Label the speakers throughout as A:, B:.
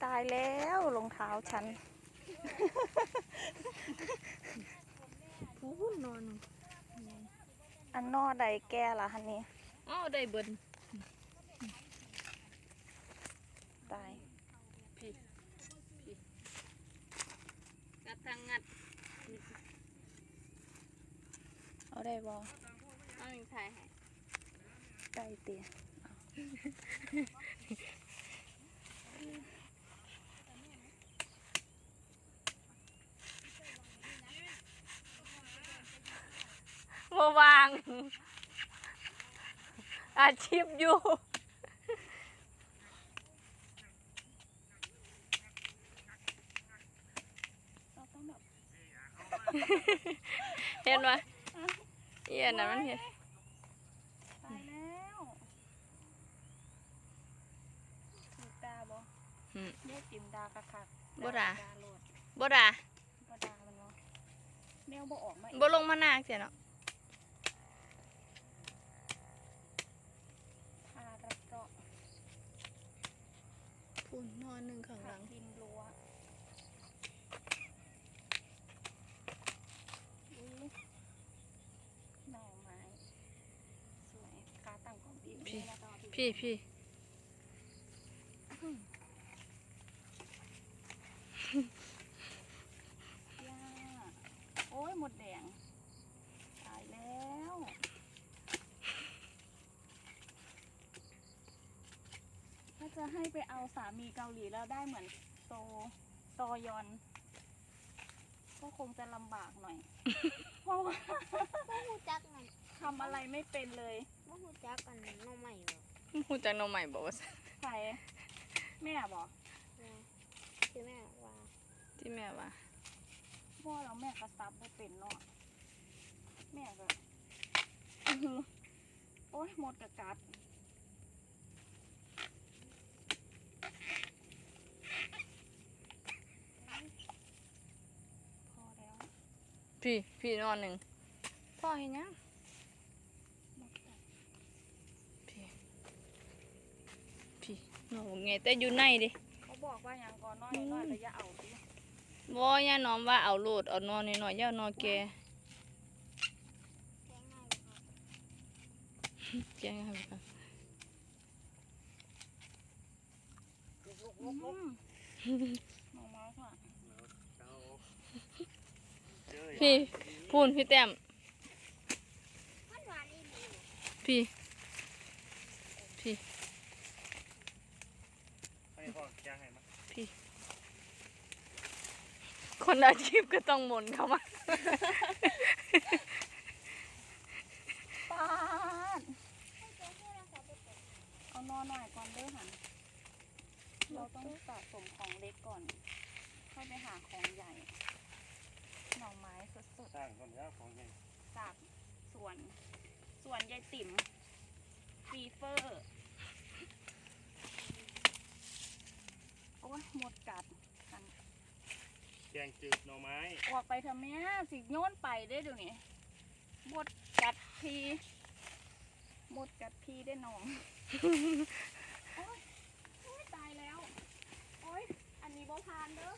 A: ตายแล้วรองเท้าฉัน
B: ผู้นอน
A: อันนอใดแก่ละฮันนี่
B: อ้าวได้เบิ้ล
A: ตาย
B: พี่กัดทางงัด
A: เอาได้บ่
B: เอาหนึ่งถ่ายให้
A: ได้เตี๋ย
B: วางอาชีพอยู่เห็นไหมเอียนนะมันเห็น
A: ตายแล้วมีตาบ่เรียกจิมดากะคัก
B: บ่ด่า
A: โลด
B: บ่ด่า
A: บ่ด่ามันบ่แมวบ่ออกมา
B: บ่ลงมาหนักเสียเนาะ
A: พาระเจาะ
B: พุ่นนอนหนึ่งข้างหลัง
A: ดินรั้วหน่อไม้สวยขาตั้งของพี่
B: พี่
A: ย่าโอ้ยหมดแดงตายแล้วถ้าจะให้ไปเอาสามีเกาหลีแล้วได้เหมือนโซยอนก็คงจะลำบากหน่อยเพราะว่า
C: หูจักมัน
A: ทำอะไรไม่เป็นเลย
C: หูจักกันน้องใหม่หรอ
B: หูจักน้องใหม่บอกว่า
A: ใครแม่บอก
C: คือแม่ว่า
B: ที่แม่ว่า
A: พ่อเราแม่กระซับไม่เป็นเนาะแม่ก็โอ๊ยหมดกระกัดพอแล้ว
B: พี่นอนหนึ่งพ่อเห็นยังพี่นอนไงแต่อยู่ในดิ
A: เขาบอกว่าอย่างก่อนน้อยแต่อย่าเอาดิ
B: บ่ย่าน้อมว่าเอาโลดเอานอนหน่อยย่านอนแกแกงอะไรกันพี่พูนพี่แต้มพี่คนอาชีพก็ต้องหมุนเข้ามา
A: ป้าเอานอนหน่อยก่อนเด้อหันเราต้องสะสมของเล็กก่อนค่อยไปหาของใหญ่หน่อไม้สดๆ
D: สร้างก่อนแล้วของใหญ่
A: จากสวนยายติ๋มฟีเฟอร์โอ้ยหมดกัดกัน
D: แกงจืดหน่อไม้
A: ออกไปเถอะแม่สิโยนไปได้เดี๋ยวนี้หมดกัดพีได้น้องโอ้ยตายแล้วโอ้ยอันนี้บ่พานเด้อ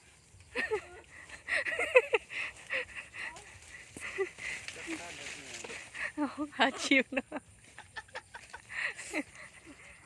B: อาชีพเนาะ